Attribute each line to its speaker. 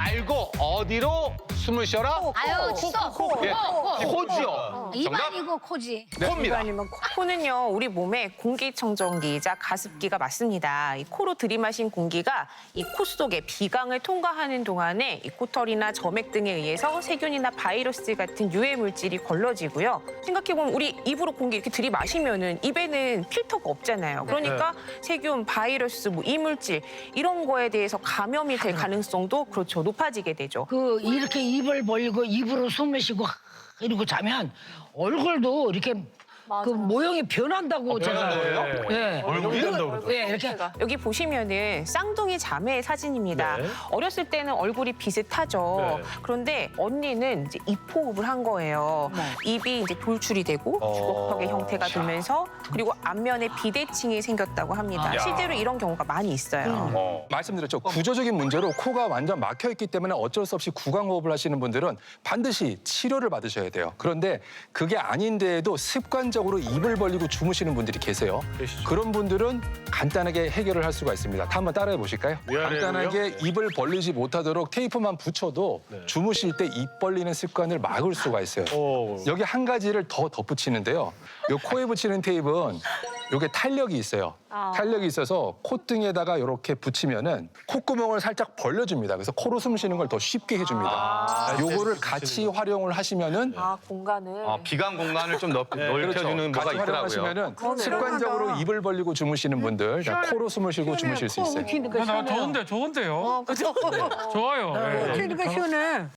Speaker 1: 말고 어디로 숨을 쉬어라?
Speaker 2: 아유, 치석.
Speaker 1: 예, 코지요.
Speaker 2: 입
Speaker 1: 정답?
Speaker 2: 아니고 코지.
Speaker 1: 코입니다.
Speaker 3: 아니면 코는요, 우리 몸의 공기청정기이자 가습기가 맞습니다. 이 코로 들이마신 공기가 이 코 속의 비강을 통과하는 동안에 이 코털이나 점액 등에 의해서 세균이나 바이러스 같은 유해 물질이 걸러지고요. 생각해보면 우리 입으로 공기 이렇게 들이마시면은 입에는 필터가 없잖아요. 그러니까 세균, 바이러스, 뭐 이물질 이런 거에 대해서 감염이 될 가능성도 그렇죠, 높아지게 되죠.
Speaker 4: 그 이렇게 입을 벌리고 입으로 숨을 쉬고 이러고 자면 얼굴도 이렇게 그 모형이 변한다고 제가.
Speaker 1: 변한다고요?
Speaker 4: 예.
Speaker 5: 얼굴이 변한다고 그러더라고요.
Speaker 4: 예, 이렇게
Speaker 3: 여기 보시면은 쌍둥이 자매의 사진입니다.
Speaker 5: 네.
Speaker 3: 어렸을 때는 얼굴이 비슷하죠.
Speaker 5: 네.
Speaker 3: 그런데 언니는 이제 입호흡을 한 거예요. 입이 이제 돌출이 되고 주걱턱의 형태가 들면서 그리고 앞면에 비대칭이 생겼다고 합니다. 실제로 이런 경우가 많이 있어요.
Speaker 6: 말씀드렸죠. 구조적인 문제로 코가 완전 막혀 있기 때문에 어쩔 수 없이 구강호흡을 하시는 분들은 반드시 치료를 받으셔야 돼요. 그런데 그게 아닌데에도 습관적으로 입을 벌리고 주무시는 분들이 계세요.
Speaker 5: 계시죠.
Speaker 6: 그런 분들은 간단하게 해결을 할 수가 있습니다. 다 한번 따라해 보실까요?
Speaker 5: 위아래로요?
Speaker 6: 간단하게 입을 벌리지 못하도록 테이프만 붙여도 주무실 때 입 벌리는 습관을 막을 수가 있어요. 여기 한 가지를 더 덧붙이는데요. 요 코에 붙이는 테이프는 요게 탄력이 있어요. 탄력이 있어서 콧등에다가 이렇게 붙이면은 콧구멍을 살짝 벌려줍니다. 그래서 코로 숨 쉬는 걸 더 쉽게 해줍니다. 요거를 같이 활용을 하시면은
Speaker 3: 아, 공간을.
Speaker 1: 비강 공간을 좀 넓혀주는 뭐가
Speaker 6: 같이
Speaker 1: 있더라고요.
Speaker 6: 활용하시면은 습관적으로 입을 벌리고 주무시는 분들 다 코로 숨을 쉬고 주무실 수 있어요.
Speaker 4: 키니까 시원해요.
Speaker 7: 좋은데요.
Speaker 3: 그죠?
Speaker 7: 좋아요. 예.
Speaker 4: 키니까 시원해.